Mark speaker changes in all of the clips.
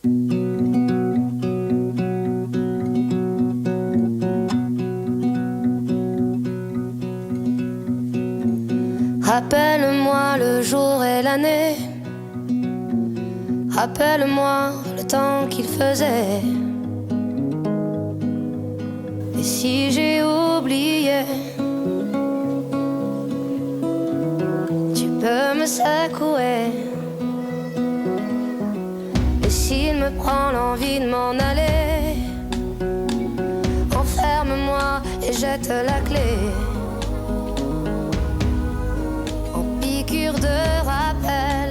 Speaker 1: Rappelle-moi le jour et l'année. Rappelle-moi le temps qu'il faisait. Et si j'ai oublié, tu peux me secouer. Et s'il me prend l'envie de m'en aller, enferme-moi et jette la clé. En piqûre de rappel,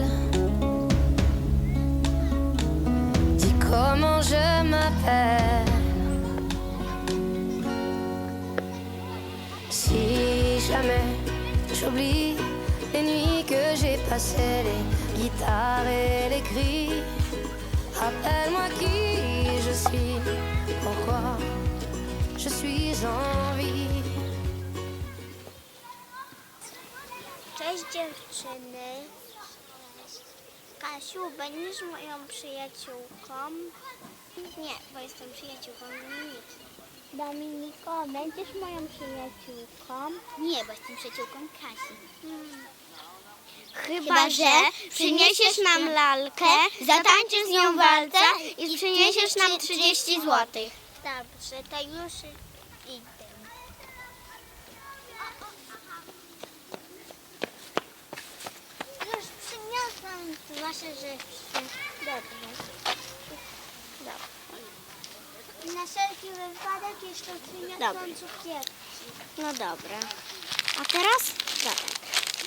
Speaker 1: dis comment je m'appelle. Si jamais j'oublie les nuits que j'ai passées, les guitares et les cris, rappelle-moi qui je suis, pourquoi je suis en vie.
Speaker 2: Cześć dziewczyny. Kasiu, będziesz moją przyjaciółką? Nie, bo jestem przyjaciółką Dominiki. Dominiko, będziesz moją przyjaciółką? Nie, bo jestem przyjaciółką Kasi. Chyba że przyniesiesz nam lalkę, zatańczysz z nią walce i przyniesiesz nam 30 złotych. Dobrze, to już idę. Już przyniosłam wasze rzeczy. Dobrze. Na wszelki wypadek jeszcze przyniosłam cukierki. No dobra. A teraz? Dobra.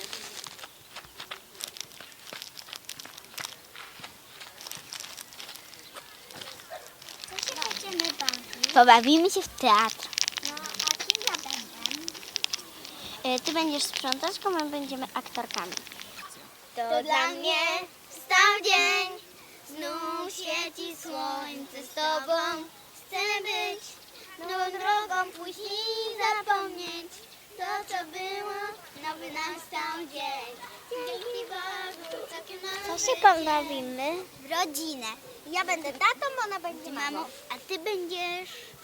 Speaker 2: Co się będziemy bawić? Pobawimy się w teatr. No, a kim ja będę? Ty będziesz sprzątaczką, my będziemy aktorkami. To dla mnie stał dzień, znów świeci słońce z tobą. Chcę być nową drogą, pójść i zapomnieć to, co było, nowy nastał dzień. Dzięki Bogu, całkiem nowy. Co się pobawimy? W rodzinę. Ja będę tatą, ona będzie mamą, a ty będziesz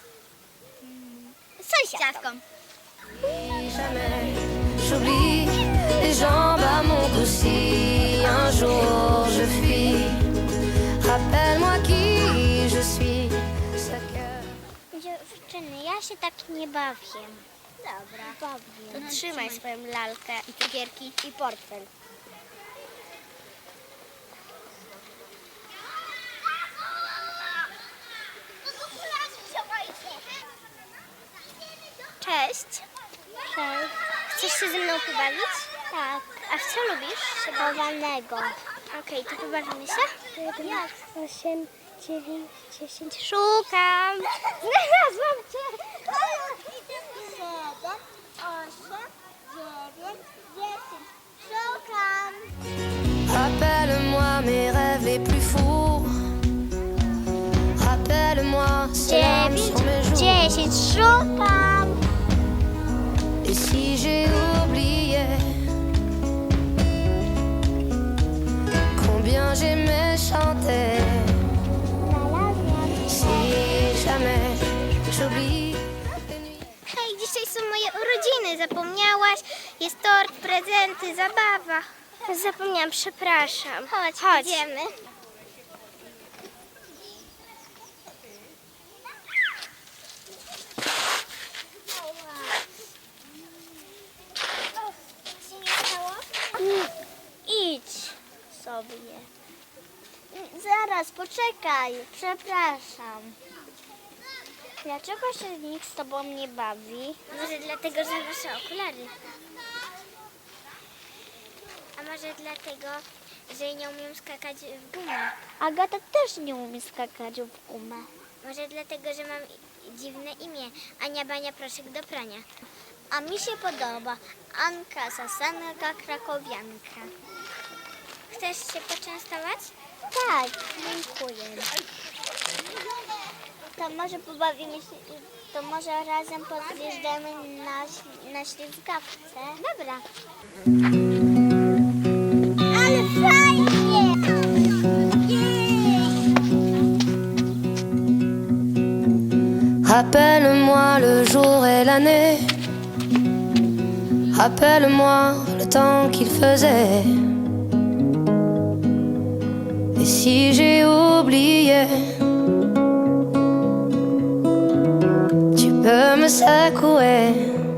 Speaker 2: sąsiadką.
Speaker 1: Jamais j'oublie les jambes à mon cou si un jour je fuis. Rappelle-moi qui je suis, ce cœur.
Speaker 2: Dziewczyny, ja się tak nie bawię. Dobra, bawię. To trzymaj swoją lalkę i cukierki i portfel. Cześć. Cześć. Chcesz się ze mną pobawić? Tak. A w co lubisz? Chowanego. Okej, to pobawimy się? 1, 8, 9, 10. Szukam. Znalazłam cię. 7, 8, 9, 10. Szukam.
Speaker 1: Rappelle-moi mes rêves les plus fous. Rappelle-moi ces larmes sur mes joues.
Speaker 2: 10. Szukam.
Speaker 1: Et si j'ai oublié combien j'aimais chanter. Si jamais j'oublie les nuits.
Speaker 2: Hej, dzisiaj są moje urodziny. Zapomniałaś? Jest tort, prezenty, zabawa. Zapomniałam, przepraszam. Chodź. Idziemy. Idź sobie. Zaraz, poczekaj. Przepraszam. Dlaczego się nikt z tobą nie bawi? Może dlatego, że masz okulary. A może dlatego, że nie umiem skakać w gumę. Agata też nie umie skakać w gumę. Może dlatego, że mam dziwne imię. Ania Bania Proszek do prania. A mi się podoba. Anka Sasanka Krakowianka. Chcesz się poczęstować? Tak, dziękuję. To może pobawimy się, to może razem podjeżdżamy na ślizgawce. Dobra. Ale fajnie! Jej!
Speaker 1: Rappelle-moi le jour et l'année. Rappelle-moi le temps qu'il faisait. Et si j'ai oublié, tu peux me secouer.